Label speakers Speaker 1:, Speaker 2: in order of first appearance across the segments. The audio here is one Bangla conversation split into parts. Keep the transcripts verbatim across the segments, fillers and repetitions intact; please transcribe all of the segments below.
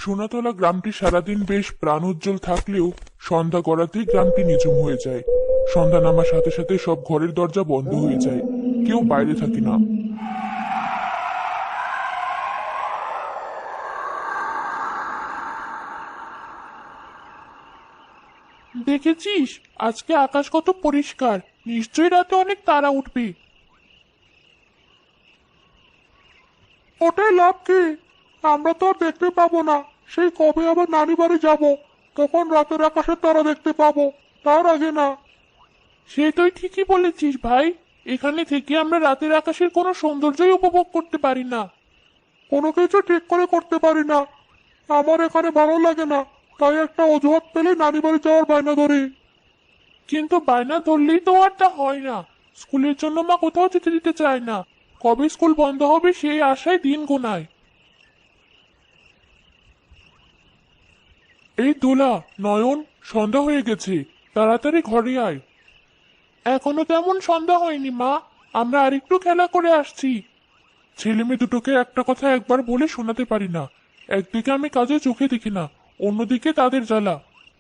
Speaker 1: সোনাতলা গ্রামটি সারাদিন বেশ প্রাণোজ্জ্বল থাকলেও সন্ধ্যা গড়াতেই গ্রামটি নিঝুম হয়ে যায়। সন্ধ্যা নামার সাথে সাথে সব ঘরের দরজা বন্ধ হয়ে যায়, কেউ বাইরে থাকে না। দেখেছিস, আজকে আকাশ কত পরিষ্কার, নিশ্চয়ই রাতে অনেক তারা উঠবে। ওটাই লাভ কি? আমরা তো আর দেখতে পাবো না। সেই কবে আবার নানি বাড়ি যাবো, তখন রাতের আকাশের তারা দেখতে পাবো, তার আগে না। সে তুই ঠিকই বলেছিস ভাই। এখানে থেকে আমরা রাতের আকাশের কোনো সৌন্দর্যই উপভোগ করতে পারি না। কোনো কিছু ঠিক করে করতে পারি না। আমার এখানে ভালো লাগে না, তাই একটা অজুহাত পেলে নানি বাড়ি যাওয়ার বায়না ধরি। কিন্তু বায়না ধরলেই তো আর তা হয় না। স্কুলের জন্য মা কোথাও যেতে দিতে চায় না। কবে স্কুল বন্ধ হবে সেই আশায় দিন গোনায়। এই দোলা, নয়ন, সন্ধ্যা হয়ে গেছে, তাড়াতাড়ি ঘরে আয়। এখনো তেমন সন্ধ্যা হয়নি মা, আমরা আরেকটু খেলা করে আসছি। ছেলে মেয়ে দুটোকে একটা কথা একবার বলে শোনাতে পারি না। একদিকে আমি কাজে চোখে দেখি না, অন্যদিকে তাদের জ্বালা।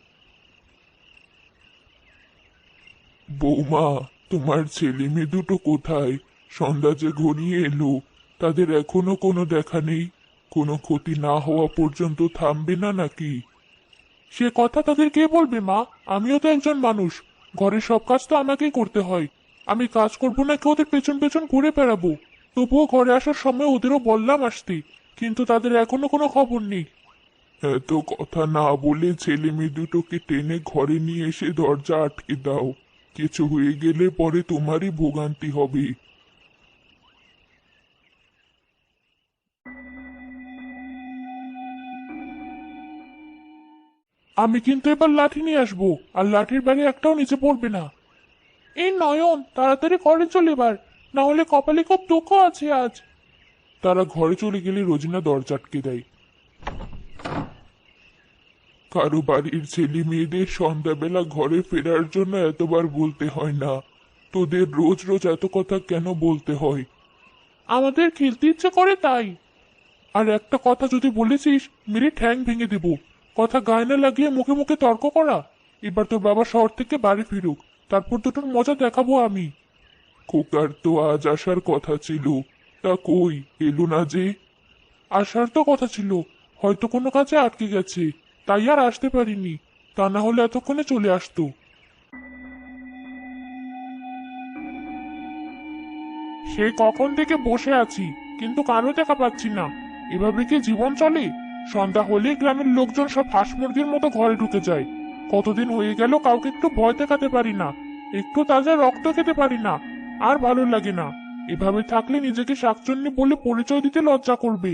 Speaker 1: বৌমা, তোমার ছেলে মেয়ে দুটো কোথায়? সন্ধ্যা যে ঘনিয়ে এলো, তাদের এখনো কোনো দেখা নেই। কোনো ক্ষতি না হওয়া পর্যন্ত থামবে না নাকি? সে কথা তাদের কে বলবে মা? আমিও তো একজন মানুষ, ঘরের সব কাজ তো আমাকেই করতে হয়। আমি কাজ করবো নাকি ওদের পেছন পেছন ঘুরে বেড়াবো? তবুও ঘরে আসার সময় ওদেরও বললাম আসতে, কিন্তু তাদের এখনো কোনো খবর নেই। এত কথা না বলে ছেলে মেয়ে দুটোকে টেনে ঘরে নিয়ে এসে দরজা আটকে দাও। কিছু হয়ে গেলে পরে তোমারই ভোগান্তি হবে। আমি কিন্তু এবার লাঠি নিয়ে আসবো, আর লাঠির বাড়ি একটাও নিচে পড়বে না। এই নয়ন, তাড়াতাড়ি ঘরে চলে এবার, না হলে কপালে খুব দুঃখ আছে আজ। তারা ঘরে চলে গেলে রোজিনা দরজা আটকে দেয়। কারো বাড়ির ছেলে মেয়েদের সন্ধ্যাবেলা ঘরে ফেরার জন্য এতবার বলতে হয় না। তোদের রোজ রোজ এত কথা কেন বলতে হয়? আমাদের খেলতে ইচ্ছে করে তাই। আর একটা কথা যদি বলেছিস, মেরে ঠ্যাং ভেঙে দেব। কথা গায়ে না লাগিয়ে মুখে মুখে তর্ক করা। এবার তোর বাবা শহর থেকে বাড়ি ফিরুক, তারপর দুটোর মজা দেখাবো আমি। খোকার তো আজ আসার কথা ছিল, তা কই এলো না যে? আসার তো কথা ছিল, হয়তো কোনো কাজে আটকে গেছে, তাই আর আসতে পারিনি। তা না হলে এতক্ষণে চলে আসতো। সে কখন থেকে বসে আছি, কিন্তু কারো দেখা পাচ্ছি না। এভাবে কি জীবন চলে? সন্ধ্যা হলে গ্রামের লোকজন সব হাঁস মুরগির মতো ঘরে ঢুকে যায়। কতদিন হয়ে গেল কাউকে একটু ভয় দেখাতে পারি না, একটু তাজা রক্ত খেতে পারি না। আর ভালো লাগে না। এভাবে থাকলে নিজেকে শাকচুন্নি বলে পরিচয় দিতে লজ্জা করবে।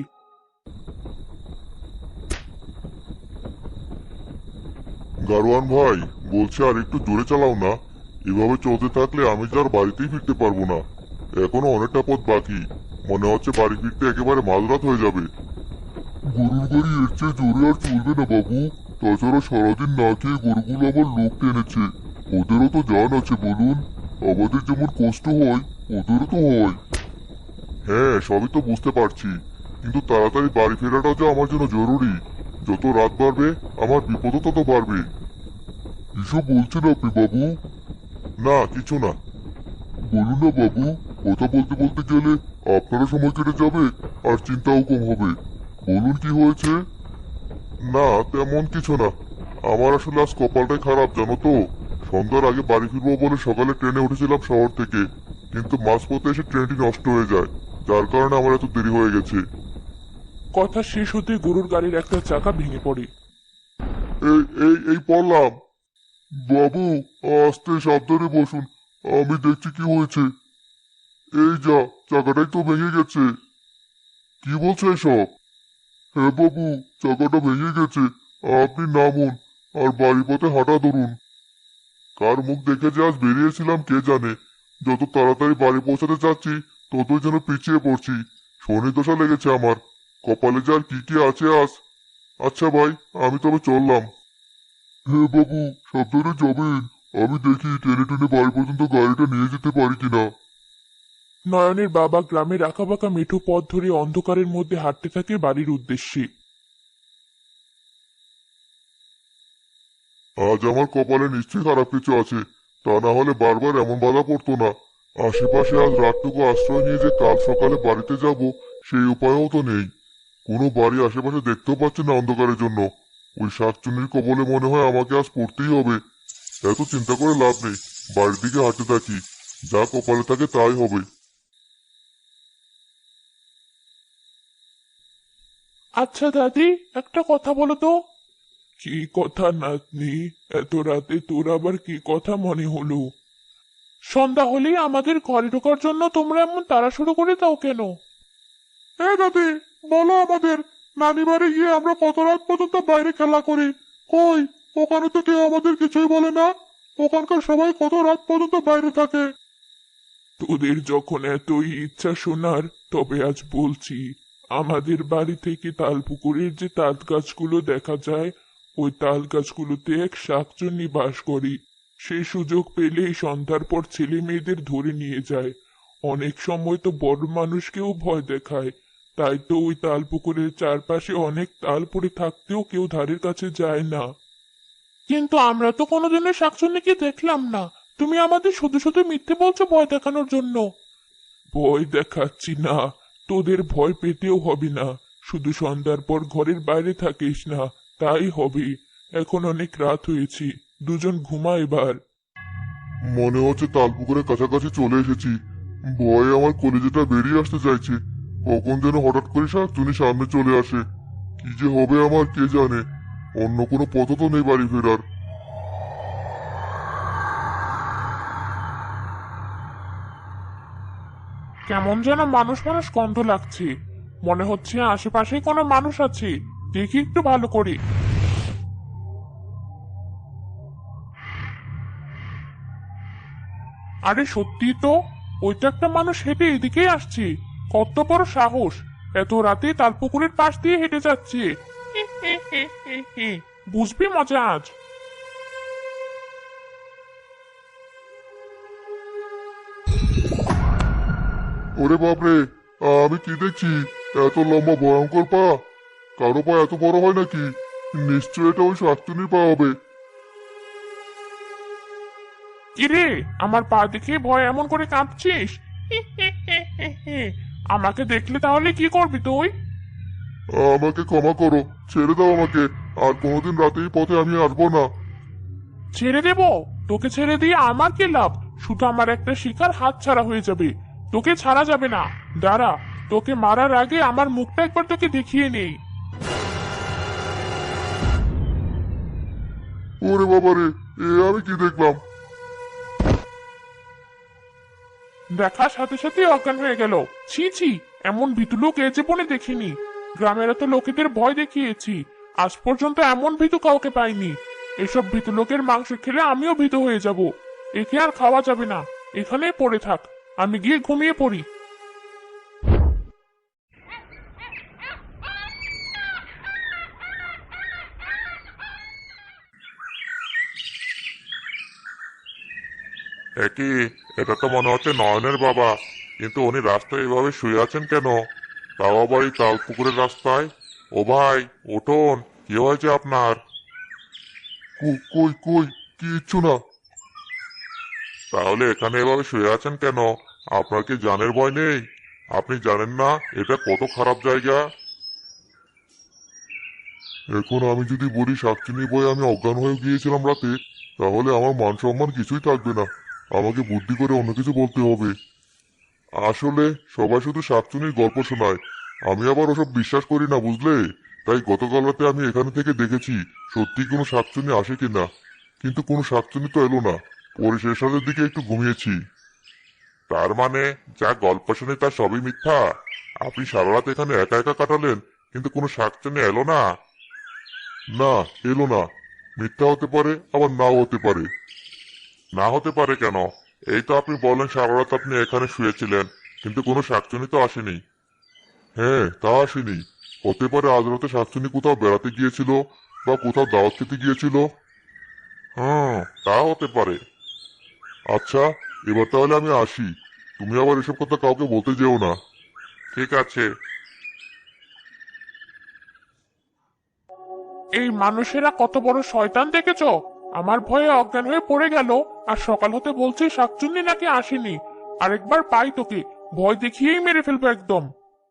Speaker 2: গারোয়ান ভাই, বলছি আর একটু জোরে চালাও না। এভাবে চলতে থাকলে আমি যার বাড়িতেই ফিরতে পারবো না। এখনো অনেকটা পথ বাকি। মনে হচ্ছে বাড়ি ফিরতে একেবারে মাঝরাত হয়ে যাবে। গরুর গাড়ি এর চেয়ে জোরে আর চলবে না বাবু। তাছাড়া সারাদিন না খেয়ে গরুগুলো আমার লোক টেনেছে। ওদেরও তো জান আছে বলুন। আমাদের যেমন কষ্ট হয়, ওদেরও তো হয়। হ্যাঁ, সবই তো বুঝতে পারছি, কিন্তু তাড়াতাড়ি বাড়ি ফেরাটা যে আমার জন্য জরুরি। যত রাত বাড়বে আমার বিপদও তত বাড়বে। এসব বলছেন আপনি বাবু? না, কিছু না। বলুন না বাবু, কথা বলতে বলতে গেলে আপনারও সময় কেটে যাবে, আর চিন্তাও কম হবে। বলুন কি হয়েছে? না, তেমন কিছু না। আমার আসলে আজ কপালটাই খারাপ জানো তো। সন্ধ্যার আগে বাড়ি ফিরবো বলে সকালে ট্রেনে উঠেছিলাম শহর থেকে, কিন্তু মাঝপথে এসে ট্রেনটি নষ্ট হয়ে যায়, যার কারণে আমার এত দেরি হয়ে গেছে।
Speaker 1: কথা শেষ হতে গরুর গাড়ির একটা চাকা ভেঙে পড়ে।
Speaker 2: এই এই এই পড়লাম। বাবু, আস্তে সাবধানে বসুন। আমি দেখছি কি হয়েছে। এই যা, চাকাটাই তো ভেঙে গেছে। কি বলছো এসব? হ্যাঁ বাবু, চাকাটা ভেঙে গেছে। আপনি নামুন, আর বাড়ি পথে হাঁটা ধরুন। কার মুখ দেখে যে আজ বেরিয়েছিলাম কে জানে। যত তাড়াতাড়ি বাড়ি পৌঁছাতে চাচ্ছি, ততই যেন পিছিয়ে পড়ছি। শনি দশা লেগেছে আমার। কপালে যে আর কি কি আছে আজ। আচ্ছা ভাই, আমি তবে চললাম। হ্যাঁ বাবু, সাবধানে যাবেন। আমি দেখি টেনে টেনে বাড়ি পর্যন্ত গাড়িটা নিয়ে যেতে পারি কিনা।
Speaker 1: নয়নের বাবা গ্রামের আঁকাবাঁকা মেঠো পথ ধরে অন্ধকারের মধ্যে হাঁটতে থাকে বাড়ির উদ্দেশ্যে।
Speaker 2: আজ আমার কপালে নিশ্চয়ই খারাপ কিছু আছে, তা না হলে বারবার এমন বাধা পড়তো না। আশেপাশে আজ রাতটুকু আশ্রয় নিয়ে যে কাল সকালে বাড়িতে যাব সেই উপায়ও তো নেই। কোনো বাড়ি আশেপাশে দেখতেও পাচ্ছি না অন্ধকারের জন্য। ওই শাকচুন্নির কবলে মনে হয় আমাকে আজ পড়তেই হবে। এত চিন্তা করে লাভ নেই, বাড়ির দিকে হাঁটতে থাকি, যা কপালে থাকে তাই হবে।
Speaker 1: আচ্ছা দাদি, একটা কথা বলো তো। কি কথা নাতনি? এত রাতে তোর আবার কি কথা মনে হলো? সন্ধ্যা হলেই আমাদের ঘরে ঢোকার জন্য তোমরা এমন তাড়া শুরু করে দাও কেন? হ্যাঁ দাদি, বলো আমাদের। নানি বাড়ি গিয়ে আমরা কত রাত পর্যন্ত বাইরে খেলা করি। কই, ওখানে তো কেউ আমাদের কিছুই বলে না। ওখানকার সবাই কত রাত পর্যন্ত বাইরে থাকে। তোদের যখন এতই ইচ্ছা শোনার, তবে আজ বলছি। আমাদের বাড়ি থেকে তালপুকুরের যে তাল গাছগুলো দেখা যায়, ওই তাল গাছগুলোতে এক শাকচুন্নি বাস করে। সেই সুযোগ পেলেই সন্ধ্যার পর ছেলে মেয়েদের ধরে নিয়ে যায়। অনেক সময় তো বড় মানুষকেও ভয় দেখায়। তাই তো ওই তালপুকুরের চারপাশে অনেক তাল পড়ে থাকতেও কেউ ধারের কাছে যায় না। কিন্তু আমরা তো কোনোদিনও শাকচুন্নিকে দেখলাম না। তুমি আমাদের শুধু শুধু মিথ্যে বলছো ভয় দেখানোর জন্য। ভয় দেখাচ্ছি না, তোদের ভয় পেতেও হবে না। শুধু সন্ধ্যার পর ঘরের বাইরে থাকিস না, তাই হবে। এখন অনেক রাত হয়েছে, দুজন ঘুমা এবার।
Speaker 2: মনে হচ্ছে তালপুকুরের কাছাকাছি চলে এসেছি। ভয়ে আমার কলিজাটা বেরিয়ে আসতে চাইছে। কখন যেন হঠাৎ করে শাকচুনি সামনে চলে আসে। কি যে হবে আমার কে জানে। অন্য কোনো পথ তো নেই বাড়ি ফেরার।
Speaker 1: কেমন যেন মানুষ মানুষ গন্ধ লাগছে। মনে হচ্ছে আশেপাশে কোনো মানুষ আছে। দেখি একটু ভালো করে। আরে সত্যি তো, ওইটা একটা মানুষ হেঁটে এদিকেই আসছে। কত বড় সাহস! এত রাতে তালপুকুরের পাশ দিয়ে হেঁটে যাচ্ছে। বুঝবি মজা আজ।
Speaker 2: ওরে বাপরে, আমি কি দেখছি? এত লম্বা ভয়ঙ্কর পা! কারো পা এত বড় হয় নাকি? নিশ্চয় এটা ওই শাকচুনির পা হবে।
Speaker 1: কিরে, আমার পা দেখে ভয় এমন করে কাঁপছিস? আমাকে দেখলে তাহলে কি করবি তুই?
Speaker 2: আমাকে ক্ষমা করো, ছেড়ে দাও আমাকে। আর কোনোদিন রাতে এই পথে আমি আসবো না।
Speaker 1: ছেড়ে দেব? তোকে ছেড়ে দিয়ে আমার কি লাভ? শুধু আমার একটা শিকার হাত ছাড়া হয়ে যাবে। তোকে ছাড়া যাবে না। দাঁড়া, তোকে মারার আগে আমার মুখটা একবার তোকে দেখিয়ে নেই।
Speaker 2: ওরে বাবারে, এ আমি কি দেখলাম?
Speaker 1: দেখার সাথে সাথে অজ্ঞান হয়ে গেল। ছি ছি, এমন ভীতু লোক এ জীবনে দেখিনি। গ্রামের এত লোকেদের ভয় দেখিয়েছি, আজ পর্যন্ত এমন ভীতু কাউকে পাইনি। এসব ভীতু লোকের মাংস খেলে আমিও ভীতু হয়ে যাব। একে আর খাওয়া যাবে না। এখানেই পড়ে থাক, আমি গিয়ে ঘুমিয়ে পড়ি।
Speaker 2: একই, এটা তো মনে হচ্ছে নয়নের বাবা। কিন্তু উনি রাস্তায় এভাবে শুয়ে আছেন কেন? তাও আবার এই তাল পুকুরের রাস্তায়। ও ভাই, উঠুন, কি হয়েছে আপনার? কই কই, কিচ্ছু না। তাহলে এখানে এভাবে শুয়ে আছেন কেন? আপনার কি জানের ভয় নেই? আপনি জানেন না এটা কত খারাপ জায়গা? এখন আমি যদি বলি শাকচুনি ভয়ে আমি অজ্ঞান হয়ে গিয়েছিলাম রাতে, তাহলে আমার মান সম্মান কিছুই থাকবে না। আমাকে বুদ্ধি করে অন্য কিছু বলতে হবে। আসলে সবাই শুধু শাকচুনির গল্প শোনায়, আমি আবার ওসব বিশ্বাস করি না, বুঝলে? তাই গতকাল রাতে আমি এখানে থেকে দেখেছি সত্যি কোনো শাকচুনি আসে কিনা। কিন্তু কোনো শাকচুনি তো এলো না। পরে শেষ রাতের দিকে একটু ঘুমিয়েছি। তার মানে যা গল্প শুনে তা সবই মিথ্যা? আপনি সারা রাত এখানে একা একা কাটালেন, কিন্তু কোনো শাকচুনি এলো না? না, এলো না। মিথ্যা হতে পারে, আবার নাও হতে পারে। না হতে পারে কেন? এই তো আপনি বলেন সারা রাত আপনি এখানে শুয়েছিলেন, কিন্তু কোনো শাকচুনি তো আসেনি। হ্যাঁ, তা আসেনি। হতে পারে আজ রাতে শাকচুনি কোথাও বেড়াতে গিয়েছিল, বা কোথাও দাওয়াত খেতে গিয়েছিল। হুম, তা হতে পারে। আচ্ছা, এবার তাহলে আমি আসি। তুমি আবার এসব কথা কাউকে বলতে যেও না। ঠিক আছে।
Speaker 1: এই মানুষেরা কত বড় শয়তান দেখেছো? আমার ভয়ে অজ্ঞান হয়ে পড়ে গেল, আর সকাল হতে বলছে শাকচুন্নি নাকি আসেনি। আরেকবার পাই তোকে, ভয় দেখিয়েই মেরে ফেলবো একদম।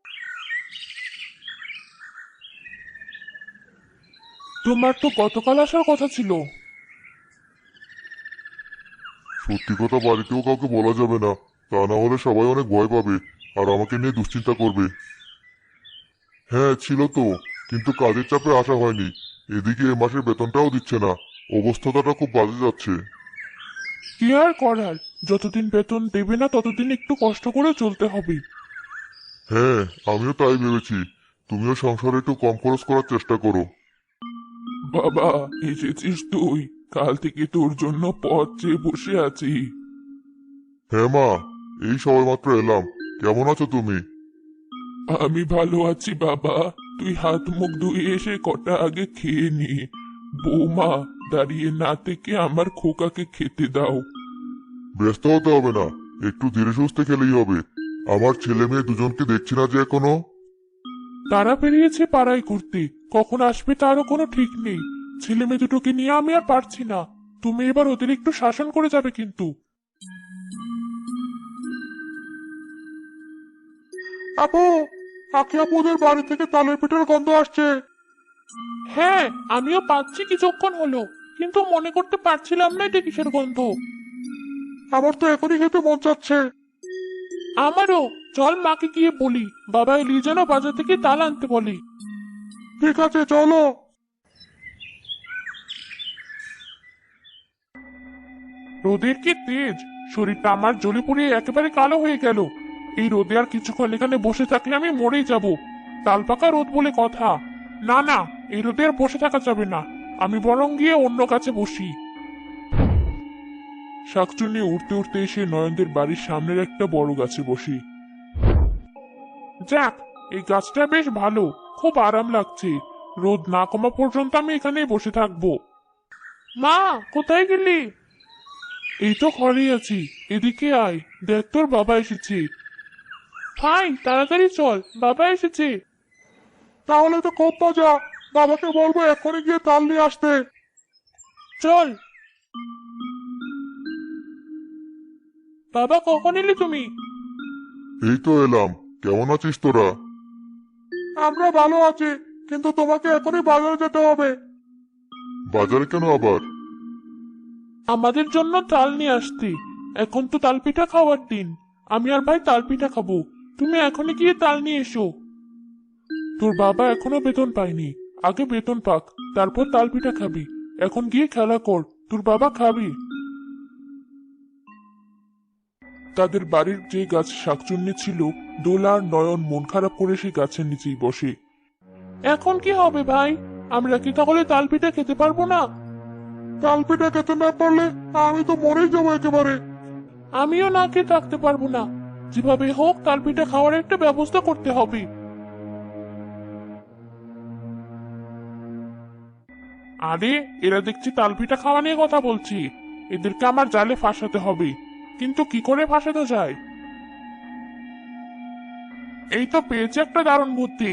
Speaker 1: তোমার তো গতকাল আসার কথা ছিল।
Speaker 2: সত্যি কথা বাড়িতেও কাউকে বলা যাবে না, তা না হলে সবাই অনেক ভয় পাবে আর আমাকে নিয়ে দুশ্চিন্তা করবে। হ্যাঁ ছিল তো, কিন্তু কাজের চাপে আসা হয়নি। এদিকে এ মাসের বেতনটাও দিচ্ছে না, অবস্থাটা খুব বাজে যাচ্ছে।
Speaker 1: কি আর করার, যতদিন বেতন দেবে না ততদিন একটু কষ্ট করে চলতে হবে।
Speaker 2: হ্যাঁ আমিও তাই ভেবেছি, তুমিও সংসারে একটু কম খরচ করার চেষ্টা করো।
Speaker 1: বাবা, এসেছিস তুই? কাল থেকে তোর জন্য পথ চেয়ে বসে আছি।
Speaker 2: হ্যাঁ মা, এই সবেমাত্র এলাম। কেমন আছো তুমি?
Speaker 1: আমি ভালো আছি বাবা। তুই হাত মুখ ধুয়ে এসে কটা আগে খেয়ে নি। বৌমা, দাঁড়িয়ে না থেকে আমার খোকাকে খেতে দাও।
Speaker 2: ব্যস্ত হতে হবে না, একটু ধীরে সুস্থে খেলেই হবে। আমার ছেলে মেয়ে দুজনকে দেখছি না যে এখনো।
Speaker 1: তারা বেরিয়েছে পাড়ায় ঘুরতে, কখন আসবে তারও কোনো ঠিক নেই। ছেলে মেয়ে দুটোকে নিয়ে আমি আর পারছি না। তুমি এবার ওদের একটু শাসন করে যাবে কিন্তু।
Speaker 2: আপু, আখি আপুদের বাড়ি থেকে তালের পিঠার গন্ধ আসছে।
Speaker 1: হ্যাঁ, আমিও পাচ্ছি কিছুক্ষণ হলো, কিন্তু মনে করতে পারছিলাম না এটা কিসের গন্ধ।
Speaker 2: আমার তো এখনই খেতে মন চাচ্ছে।
Speaker 1: আমারও। চল মাকে গিয়ে বলি, বাবা এলি যেন বাজার থেকে তাল আনতে বলি।
Speaker 2: ঠিক আছে চলো।
Speaker 1: রোদের কি তেজ! শরীরটা আমার জ্বলে পুড়িয়ে একেবারে কালো হয়ে গেল। এই রোদে আর কিছুক্ষণ এখানে বসে থাকলে আমি মরেই যাব। তাল পাকা রোদ বলে কথা। না না, এই রোদে আর বসে থাকা যাবে না। আমি বরং গিয়ে অন্য কাছে বসি। শাকচুন্নি উঠতে উঠতে এসে নয়নদের বাড়ির সামনের একটা বড় গাছে বসি। যাক, এই গাছটা বেশ ভালো, খুব আরাম লাগছে। রোদ না কমা পর্যন্ত আমি এখানেই বসে থাকবো। মা, কোথায় গেলি? এই তো ঘরেই আছি, এদিকে আয়, দেখ তোর বাবা এসেছে। ভাই তাড়াতাড়ি চল, বাবা এসেছে।
Speaker 2: তাহলে তো খুব মজা, বাবাকে বলবো এখনই গিয়ে তাল নিয়ে আসতে।
Speaker 1: চল। বাবা, কখন এলি তুমি?
Speaker 2: এই তো এলাম। কেমন আছিস তোরা? আমরা ভালো আছি, কিন্তু তোমাকে এখনই বাজারে যেতে হবে। বাজারে কেন আবার?
Speaker 1: আমাদের জন্য তাল নিয়ে আসতে। এখন তো তাল পিঠা খাওয়ার দিন। আমি আর ভাই তাল পিঠা খাবো। তুমি এখনই গিয়ে তাল নিয়ে এসো। তোর বাবা এখনো বেতন পায়নি, আগে বেতন পাক, তারপর তাল পিঠা খাবি। এখন গিয়ে খেলা কর, তোর বাবা খাবি। তাদের বাড়ির যে গাছ শাকচুন্নি ছিল, দোলা আর নয়ন মন খারাপ করে সেই গাছের নিচেই বসে। এখন কি হবে ভাই? আমরা কি তাহলে তাল পিঠা খেতে পারবো না?
Speaker 2: তাল পিঠা খেতে না পারলে আমি তো মরেই যাবো একেবারে।
Speaker 1: আমিও না খেয়ে থাকতে পারবো না। যেভাবে হোক তাল পিঠা খাওয়ার একটা ব্যবস্থা করতে হবে। আরে, এরা দেখছি তাল পিঠা খাওয়া নিয়ে কথা বলছি। এদেরকে আমার জালে ফাঁসাতে হবে, কিন্তু কি করে ফাঁসাতে যায়? এই তো পেয়েছি একটা দারুণ বুদ্ধি।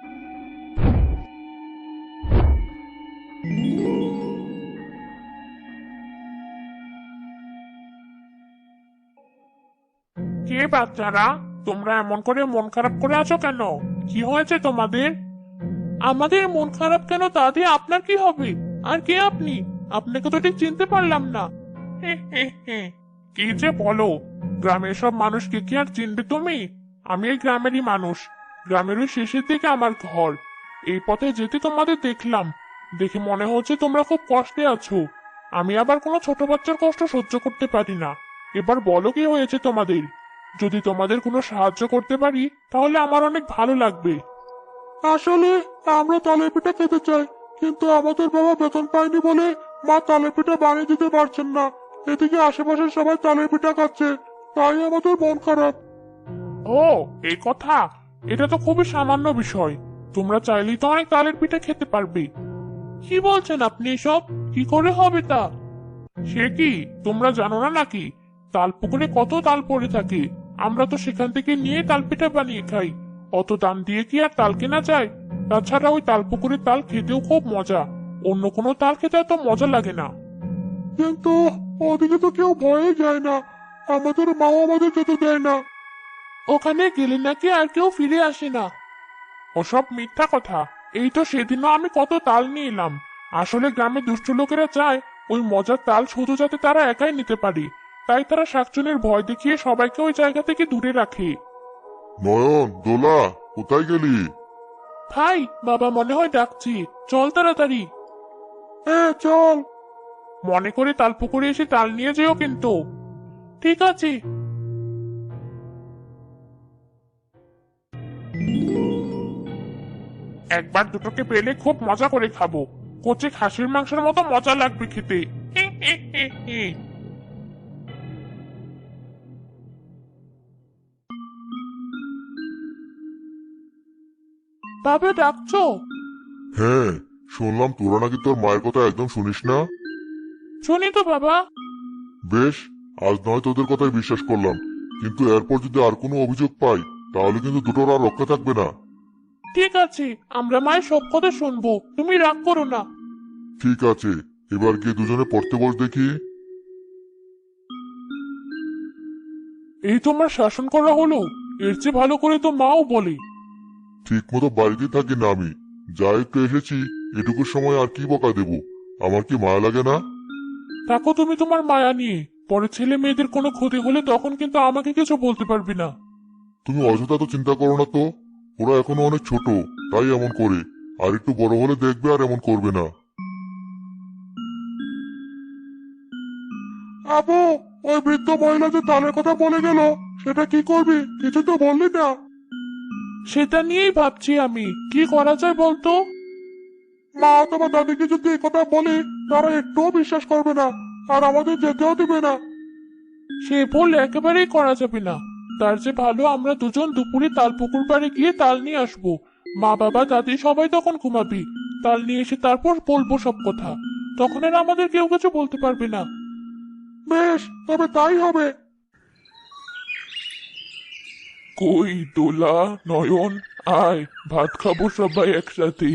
Speaker 1: কে বাচ্চারা, তোমরা এমন করে মন খারাপ করে আছো কেন? কি হয়েছে তোমাদের? আমাদের মন খারাপ কেন তা দিয়ে আপনার কি হবে? আর কে আপনি? আপনাকে তো ঠিক চিনতে পারলাম না। হে হে হে, কি যে বলো! গ্রামের সব মানুষকে কি আর চিনবে তুমি? আমি এই গ্রামেরই মানুষ। গ্রামের ওই শেষের দিকে আমার ঘর। এই পথে যেতে তোমাদের দেখলাম, দেখে মনে হচ্ছে তোমরা খুব কষ্টে আছো। আমি আবার কোনো ছোট বাচ্চার কষ্ট সহ্য করতে পারি না। এবার বলো কি হয়েছে তোমাদের? যদি তোমাদের কোনো সাহায্য করতে পারি তাহলে আমার অনেক ভালো লাগবে।
Speaker 2: আসলে আমরা তালের পিঠা খেতে চাই, কিন্তু আমাদের বাবা বেতন পায়নি বলে মা তালের পিঠা বানিয়ে দিতে পারছেন না। এদিকে আশেপাশের সবাই তালের পিঠা খাচ্ছে, তাই আমাদের মন খারাপ।
Speaker 1: ও, এই কথা! এটা তো খুবই সামান্য বিষয়। তোমরা চাইলেই তো অনেক তালের পিঠা খেতে পারবে। কি বলছেন আপনি এসব? কি করে হবে তা? সে কি, তোমরা জানো না নাকি? তাল পুকুরে কত তাল পড়ে থাকে, আমরা তো সেখান থেকে নিয়ে তাল পিঠা বানিয়ে খাই। অত দাম দিয়ে কি আর তাল কেনা যায়? তাছাড়া ওই তাল পুকুরের তাল খেতেও খুব মজা। অন্য কোনো তাল খেতে এত মজা লাগে না।
Speaker 2: কিন্তু ওদিকে তো কেউ ভয়ে যায় না, আমাদের মাও আমাদের যেতে দেয় না।
Speaker 1: ওখানে গেলে নাকি আর কেউ ফিরে আসে না। ওসব মিথ্যা কথা। এই তো সেদিনও আমি কত তাল নিয়ে এলাম। আসলে গ্রামে দুষ্ট লোকেরা চায় ওই মজার তাল শুধু যাতে তারা একাই নিতে পারে, তাই তারা শাকচুনির ভয় দেখিয়ে সবাইকে ওই জায়গা থেকে দূরে রাখে।
Speaker 2: নয়ন, দোলা, কোথায় গেলি?
Speaker 1: ভাই, বাবা মনে হয় ডাকছি, চল তাড়াতাড়ি।
Speaker 2: হ্যাঁ চল।
Speaker 1: মনে করে তাল পুকুরে এসে তাল নিয়ে যেও কিন্তু। ঠিক আছে। একবার দুটোকে পেলে খুব মজা করে খাবো। কচি খাসির মাংসের মতো মজা লাগবে খেতে। বাবা ডাকছো?
Speaker 2: হ্যাঁ, শুনলাম তোরা নাকি তোর মায়ের কথা একদম শুনিস না।
Speaker 1: শুনি তো বাবা।
Speaker 2: বেশ, আজ নয় তোদের কথাই বিশ্বাস করলাম, কিন্তু এরপর যদি আর কোনো অভিযোগ পাই তাহলে কিন্তু দুটোর আর রক্ষা থাকবে না।
Speaker 1: ঠিক আছে, আমরা মায়ের সব কথা শুনবো, তুমি রাগ করো না।
Speaker 2: ঠিক আছে, এবার গিয়ে দুজনে পড়তে বস দেখি।
Speaker 1: এই তোমার শাসন করা হলো, এর চেয়ে ভালো করে তো মাও বলে।
Speaker 2: ঠিক মতো বাড়িতে থাকি না আমি, যা একটু এসেছি এটুকু সময় আর কি বকা দেব, আমার কি মায়া লাগে না?
Speaker 1: থাকো তুমি তোমার মায়া নিয়ে, পরে ছেলে মেয়েদের কোনো ক্ষতি হলে তখন কিন্তু আমাকে কিছু বলতে পারবি না।
Speaker 2: তুমি অযথা তো চিন্তা করো না তো, ওরা এখনো অনেক ছোট, তাই এমন করে, আর একটু বড় হলে দেখবে আর এমন করবে না। আবু, ওই বৃদ্ধ মহিলা যে তালের কথা বলে গেল, সেটা কি করবি? কিছু তো বললি না।
Speaker 1: সেটা নিয়েই ভাবছি আমি, কি করা যায় বলতো।
Speaker 2: মা অথবা দাদিকে যদি এই কথা বলি, তারা একটুও বিশ্বাস করবে না, আর আমাদের যেতেও দিবে না।
Speaker 1: সে ভুল একেবারেই করা যাবে না। তার যে ভালো আমরা দুজন দুপুরে তাল পুকুর পাড়ে গিয়ে তাল নিয়ে আসবো। মা বাবা দাদি সবাই তখন ঘুমাবি। তাল নিয়ে এসে তারপর বলবো সব কথা। তখন আর আমাদের কেউ কিছু বলতে পারবে না।
Speaker 2: বেশ, তবে তাই হবে।
Speaker 1: কই দোলা, নয়ন, আয় ভাত খাবো সবাই একসাথে।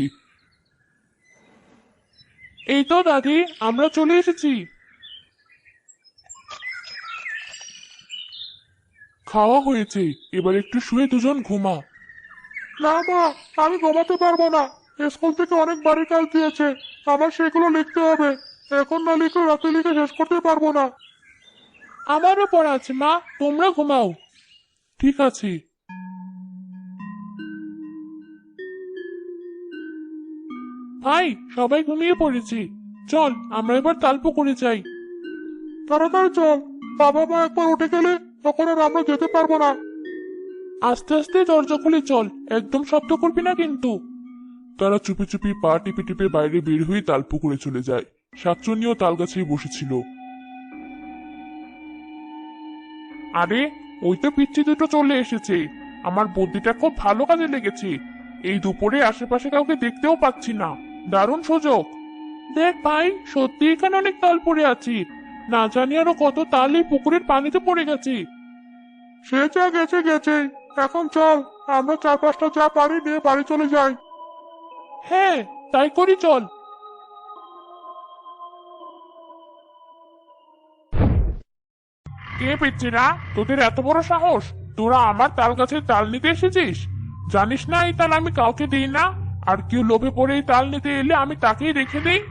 Speaker 1: এই তো দাদি, আমরা চলে এসেছি। খাওয়া হয়েছে, এবার একটু শুয়ে দুজন ঘুমা।
Speaker 2: না মা, আমি ঘুমাতে পারবো না। স্কুল থেকে অনেক বাড়ির কাজ দিয়েছে, আমার সেগুলো লিখতে হবে। এখন না লিখে রাতে লিখে শেষ করতে পারবো না।
Speaker 1: আমারও পড়া আছে মা, তোমরা ঘুমাও। ঠিক আছে। ভাই, সবাই ঘুমিয়ে পড়েছি, চল আমরা এবার তাল পুকুরে যাই।
Speaker 2: তাড়াতাড়ি চল, বাবা মা একবার উঠে গেলে তখন আর আমরা যেতে পারবো না।
Speaker 1: আস্তে আস্তে দরজা খুলে চল, একদম শব্দ করবি না কিন্তু। তারা চুপি চুপি পা টিপে টিপে বাইরে বের হয়ে তাল পুকুরে চলে যায়। শাকচুন্নিও তাল গাছেই বসেছিল। আরে, ওই তো পিচ্ছি দুটো চলে এসেছে। আমার বুদ্ধিটা খুব ভালো কাজে লেগেছে। এই দুপুরে আশেপাশে কাউকে দেখতেও পাচ্ছি না, দারুণ সুযোগ। দেখ ভাই, সত্যি এখানে অনেক তাল পড়ে আছে। না জানি আরো কত তাল এই পুকুরের পানিতে পড়ে গেছে।
Speaker 2: সে যা গেছে গেছে, এখন চল আমরা চার পাঁচটা চা পারি নিয়ে বাড়ি চলে যাই।
Speaker 1: হ্যাঁ, তাই করি চল। কে পিচ্ছিরা, তোদের এত বড় সাহস? তোরা আমার তাল গাছের তাল নিতে এসেছিস? জানিস না এই তাল আমি কাউকে দিই না, আর কেউ লোভে পড়ে এই তাল নিতে এলে আমি তাকেই রেখে দিই।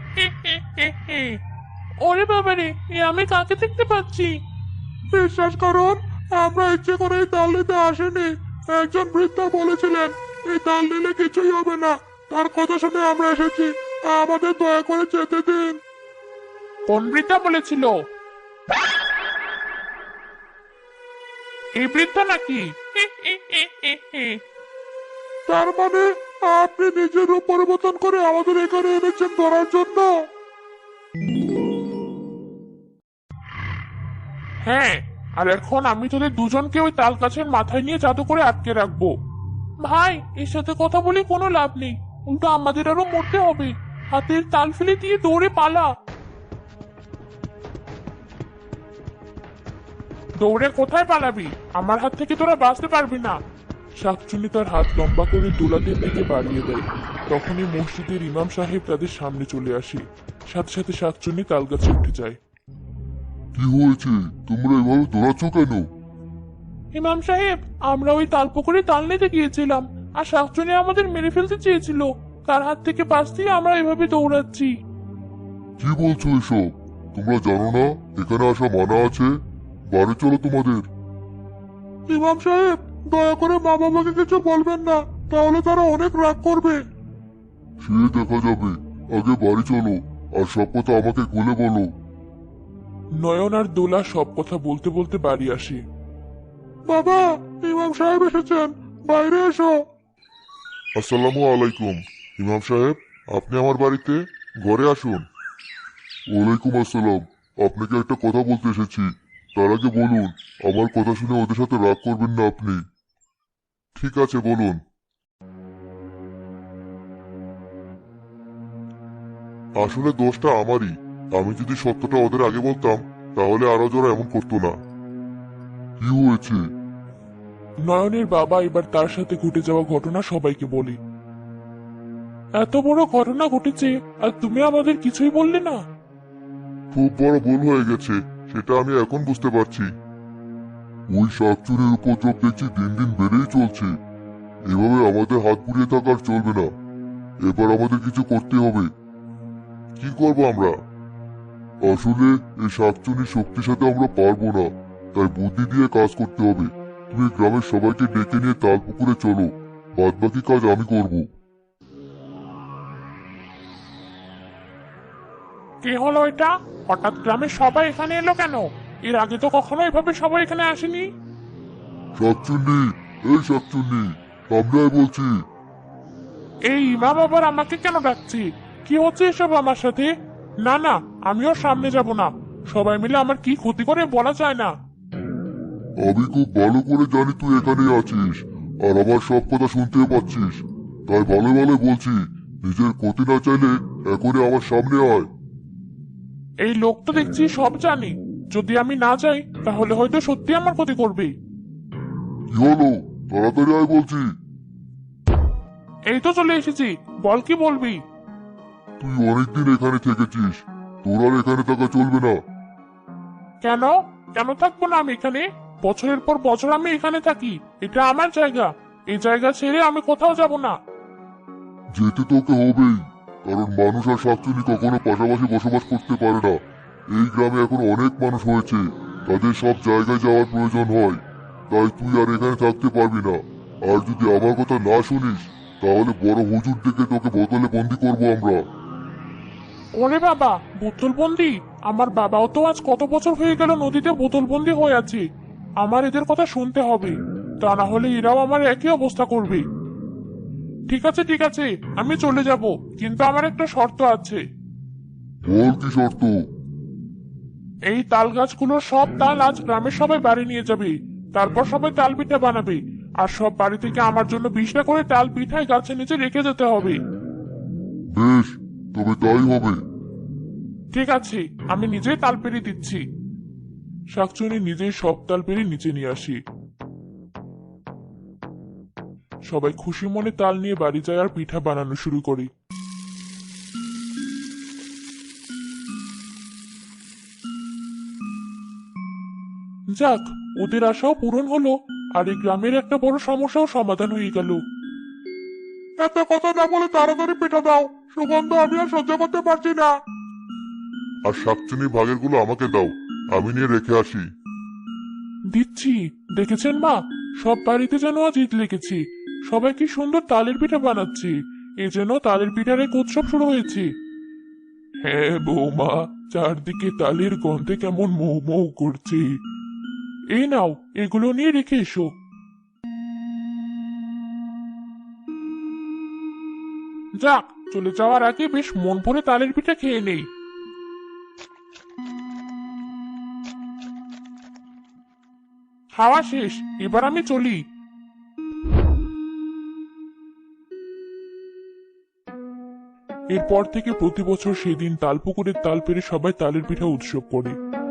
Speaker 1: ওরে বাবারে, এ আমি কাকে দেখতে পাচ্ছি?
Speaker 2: বিশ্বাস করুন, আমরা ইচ্ছে করে এই তাল নিতে আসিনি। একজন বৃদ্ধা বলেছিলেন এই তাল নিলে কিছুই হবে না, তার কথা শুনে আমরা এসেছি। আমাদের দয়া করে যেতে দিন।
Speaker 1: কোন বৃদ্ধা বলেছিল? এই বৃদ্ধা নাকি?
Speaker 2: তার মানে আপনি নিজের রূপ পরিবর্তন করে আমাদের এখানে এনেছেন ধরার জন্য?
Speaker 1: হ্যাঁ, আর এখন আমি তোদের দুজনকে ওই তাল গাছের মাথায় নিয়ে জাদু করে আটকে রাখবো। ভাই, এর সাথে কথা বলে কোনো লাভ নেই, উল্টো আমাদের আরো মরতে হবে। হাতের তাল ফেলে দিয়ে দৌড়ে পালা। দৌড়ে কোথায় পালাবি? আমার হাত থেকে তোরা বাঁচতে পারবি না। শাকচুন্নি তার হাত লম্বা করে দোলাদের দিকে বাড়িয়ে দেয়। তখনই মসজিদের ইমাম সাহেব তাদের সামনে চলে আসে। সাথে সাথে শাকচুন্নি তাল গাছে উঠে যায়।
Speaker 2: কি হয়েছে, তোমরা এভাবে দৌড়াচ্ছ কেন?
Speaker 1: ইমাম সাহেব, আমরা ওই তাল পুকুরে তাল নিতে গিয়েছিলাম, আর শাকচুন্নি আমাদের মেরে ফেলতে চেয়েছিল। তার হাত থেকে বাঁচতেই আমরা এভাবে দৌড়াচ্ছি।
Speaker 2: কি বলছো এসব? তোমরা জানো না এখানে আসা মানা আছে? বাড়ি চলো তোমাদের।
Speaker 1: ইমাম সাহেব, দয়া করে মা বাবাকে কিছু বলবেন না, তাহলে তারা অনেক রাগ করবে।
Speaker 2: সে দেখা যাবে, আগে বাড়ি চলো, আর সব কথা আমাকে খুলে বলো।
Speaker 1: নয়ন আর দোলা সব কথা বলতে বলতে বাড়ি আসে। বাবা, ইমাম সাহেব এসেছেন, বাইরে এসো।
Speaker 2: আসসালামু আলাইকুম। ইমাম সাহেব, আপনি আমার বাড়িতে? ঘরে আসুন। ওয়ালাইকুম আসসালাম। আপনাকে একটা কথা বলতে এসেছি। তার আগে বলুন, আমার কথা শুনে ওদের সাথে রাগ করবেন না আপনি। ঠিক আছে, বলুন। আসলে দোষটা আমারই। আমি যদি সত্যটা ওদের আগে বলতাম, তাহলে আরো জোরা এমন করতো না। কি হয়েছে?
Speaker 1: নয়নের বাবা এবার তার সাথে ঘটে যাওয়া ঘটনা সবাইকে বলে। এত বড় ঘটনা ঘটেছে, আর তুমি আমাদের কিছুই বললে না।
Speaker 2: খুব বড় ভুল হয়ে গেছে, সেটা আমি এখন বুঝতে পারছি। ওই শাকচুরির উপদ্রব দেখছি দিন দিন বেড়েই চলছে। এভাবে আমাদের হাত পুড়িয়ে থাকার চলবে না। এবার আমাদের কিছু করতে হবে। কি করব আমরা? আসলে এই শাকচুরির শক্তির সাথে আমরা পারবো না, তাই বুদ্ধি দিয়ে কাজ করতে হবে। তুমি গ্রামের সবাইকে ডেকে নিয়ে তাল পুকুরে চলো, বাদ বাকি কাজ আমি করব।
Speaker 1: কি হলো এটা? হঠাৎ গ্রামের সবাই এখানে এলো কেন? এর আগে তো কখনো এভাবে সবাই এখানে আসেনি।
Speaker 2: শাকচুন্নি, এই শাকচুন্নি, সামনে আয় বলছি।
Speaker 1: এই ইমাম আবার আমাকে কেন ডাকছি? কি হচ্ছে এসব আমার সাথে? না না, আমিও সামনে যাব না। সবাই মিলে আমার কি ক্ষতি করে বলা যায় না।
Speaker 2: আমি খুব ভালো করে জানি তুই এখানে আছিস, আর আমার সব কথা শুনতে পাচ্ছিস। তাই ভালো ভালো বলছি, নিজের ক্ষতি না চাইলে এখনই আমার সামনে আয়।
Speaker 1: এই লোক তো দেখছি সব জানি। যদি আমি না যাই তাহলে হয়তো সত্যি আমার ক্ষতি করবে।
Speaker 2: কি হলো? তাড়াতাড়ি আয় বলছি।
Speaker 1: এই তো চলে এসেছি, বল কি বলবি?
Speaker 2: তুই অনেকদিন এখানে থেকেছিস, তোর আর এখানে থাকা চলবে না।
Speaker 1: কেন? কেন থাকবো না আমি এখানে? বছরের পর বছর আমি এখানে থাকি। এটা আমার জায়গা। এই জায়গা ছেড়ে আমি কোথাও যাব না।
Speaker 2: যেতে তোকে হবেই, কারণ মানুষ আর শাকচুনি কখনো পাশাপাশি বসবাস করতে পারে না। এই গ্রামে এখন অনেক মানুষ হয়েছে, তাদের সব জায়গায় যাওয়ার প্রয়োজন হয়। তাই তুই আর এখানে থাকতে পারবি না। আর যদি আমার কথা না শুনিস, তাহলে বড় হুজুর ডেকে তোকে বোতলে বন্দি করবো আমরা।
Speaker 1: ওরে বাবা, বোতলবন্দি? আমার বাবাও তো আজ কত বছর হয়ে গেল নদীতে বোতলবন্দি হয়ে আছে। আমার এদের কথা শুনতে হবে, তা না হলে এরাও আমার একই অবস্থা করবে। ঠিক আছে ঠিক আছে, আমি চলে যাব, কিন্তু আমার একটা শর্ত আছে।
Speaker 2: বল কি শর্ত?
Speaker 1: এই তাল গাছগুলোর সব তাল আজ গ্রামের সবাই বাড়ি নিয়ে যাবে। তারপর সবাই তাল পিঠা বানাবে, আর সব বাড়ি থেকে আমার জন্য বিশটা করে তাল পিঠাই গাছের নিচে রেখে যেতে হবে।
Speaker 2: বেশ, তবে তাই হবে।
Speaker 1: ঠিক আছে, আমি নিজেই তাল পেড়ে দিচ্ছি। শাকচুনি নিজেই সব তাল পেড়ে নিচে নিয়ে আসি। সবাই খুশি মনে তাল নিয়ে বাড়ি যায় আর পিঠা বানানো শুরু করে। যাক, ওদের আশাও পূরণ হলো, আর এই গ্রামের একটা বড় সমস্যাও সমাধান হয়ে গেল। এত কথা না বলে তাড়াতাড়ি পিঠা দাও, সুগন্ধ আমি আর সহ্য করতে পারছি না।
Speaker 2: আর শাকচুনি ভাগের গুলো আমাকে দাও, আমি নিয়ে রেখে আসি।
Speaker 1: দিচ্ছি। দেখেছেন মা, সব বাড়িতে যেন আজ ঈদ লেগেছে। সবাই কি সুন্দর তালের পিঠা বানাচ্ছে। এ যেন তালের পিঠার এক উৎসব শুরু হয়েছে। হ্যাঁ বৌমা, চারদিকে তালের গন্ধে কেমন মৌ মৌ করছে। এই নাও, এগুলো নিয়ে রেখে এসো। যাক, চলে যাওয়ার আগে বেশ মন ভরে তালের পিঠা খেয়ে নেই। খাওয়া শেষ, এবার আমি চলি। এরপর থেকে প্রতি বছর সেদিন তালপুকুরের তাল পেরে সবাই তালের পিঠা উৎসব করে।